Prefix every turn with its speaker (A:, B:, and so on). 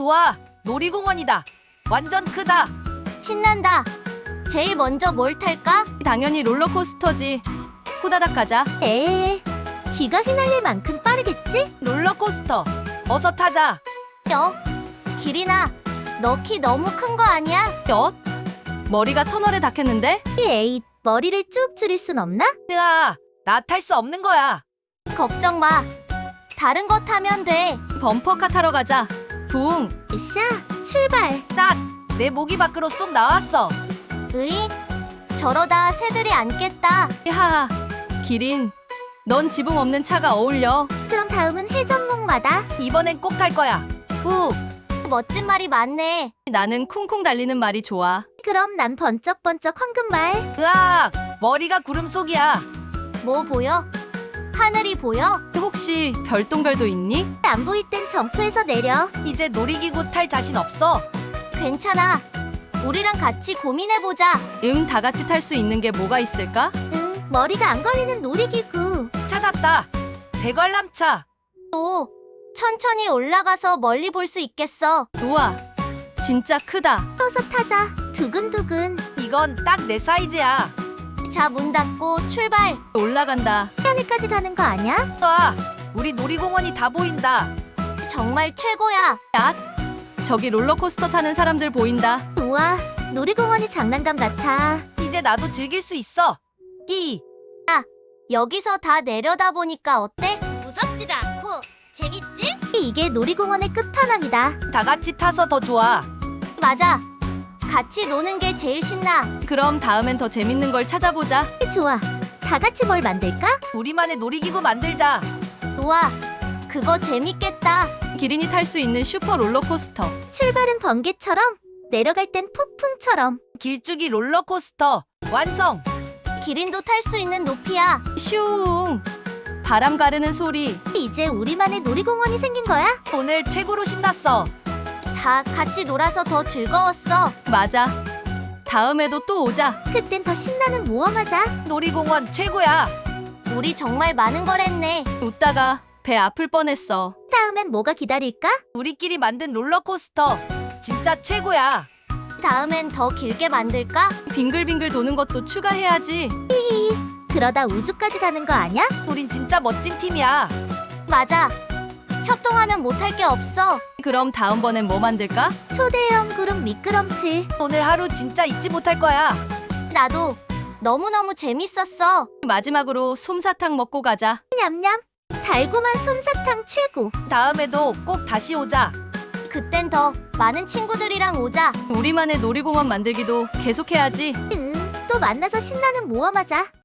A: 우와, 놀이공원이다. 완전 크다.
B: 신난다. 제일 먼저 뭘 탈까?
C: 당연히 롤러코스터지. 호다닥 가자.
B: 에에, 기가 휘날릴 만큼 빠르겠지?
A: 롤러코스터. 어서 타자.
B: 기린아, 너 키 너무 큰 거 아니야?
C: 머리가 터널에 닿겠는데?
B: 에이, 머리를 쭉 줄일 순 없나?
A: 으아, 나 탈 수 없는 거야.
B: 걱정 마. 다른 거 타면 돼.
C: 범퍼카 타러 가자. 붕.
B: 으쌰, 출발.
A: 딱! 내 목이 밖으로 쏙 나왔어.
B: 으이, 저러다 새들이 앉겠다.
C: 하하. 기린, 넌 지붕 없는 차가 어울려.
B: 그럼 다음은 회전목마다.
A: 이번엔 꼭 탈 거야. 후,
B: 멋진 말이 많네.
C: 나는 쿵쿵 달리는 말이 좋아.
B: 그럼 난 번쩍번쩍 황금말.
A: 으악! 머리가 구름 속이야.
B: 뭐 보여? 하늘이 보여?
C: 혹시 별똥별도 있니?
B: 안 보일 땐 점프해서 내려.
A: 이제 놀이기구 탈 자신 없어.
B: 괜찮아. 우리랑 같이 고민해보자.
C: 다 같이 탈 수 있는 게 뭐가 있을까?
B: 응, 머리가 안 걸리는 놀이기구.
A: 찾았다. 대관람차.
B: 또 천천히 올라가서 멀리 볼 수 있겠어.
C: 우와, 진짜 크다.
B: 서서 타자. 두근두근.
A: 이건 딱 내 사이즈야.
B: 자, 문 닫고 출발.
C: 올라간다.
B: 하늘까지 가는 거 아니야?
A: 와, 우리 놀이공원이 다 보인다.
B: 정말 최고야.
C: 저기 롤러코스터 타는 사람들 보인다.
B: 우와, 놀이공원이 장난감 같아.
A: 이제 나도 즐길 수 있어. 끼.
B: 여기서 다 내려다 보니까 어때? 무섭지도 않고 재밌지? 이게 놀이공원의 끝판왕이다.
A: 다 같이 타서 더 좋아.
B: 맞아. 같이 노는 게 제일 신나.
C: 그럼 다음엔 더 재밌는 걸 찾아보자.
B: 좋아. 다 같이 뭘 만들까?
A: 우리만의 놀이기구 만들자.
B: 우와, 그거 재밌겠다.
C: 기린이 탈 수 있는 슈퍼 롤러코스터.
B: 출발은 번개처럼, 내려갈 땐 폭풍처럼.
A: 길쭉이 롤러코스터. 완성.
B: 기린도 탈 수 있는 높이야.
C: 슝. 바람 가르는 소리.
B: 이제 우리만의 놀이공원이 생긴 거야?
A: 오늘 최고로 신났어.
B: 다 같이 놀아서 더 즐거웠어.
C: 맞아. 다음에도 또 오자.
B: 그땐 더 신나는 모험하자.
A: 놀이공원 최고야.
B: 우리 정말 많은 걸 했네.
C: 웃다가 배 아플 뻔했어.
B: 다음엔 뭐가 기다릴까?
A: 우리끼리 만든 롤러코스터. 진짜 최고야.
B: 다음엔 더 길게 만들까?
C: 빙글빙글 도는 것도 추가해야지.
B: 그러다 우주까지 가는 거 아니야?
A: 우린 진짜 멋진 팀이야.
B: 맞아. 협동하면 못할 게 없어.
C: 그럼 다음번엔 뭐 만들까?
B: 초대형 그룹 미끄럼틀.
A: 오늘 하루 진짜 잊지 못할 거야.
B: 나도 너무너무 재밌었어.
C: 마지막으로 솜사탕 먹고 가자.
B: 냠냠. 달고만 솜사탕 최고.
A: 다음에도 꼭 다시 오자.
B: 그땐 더 많은 친구들이랑 오자.
C: 우리만의 놀이공원 만들기도 계속해야지.
B: 또 만나서 신나는 모험하자.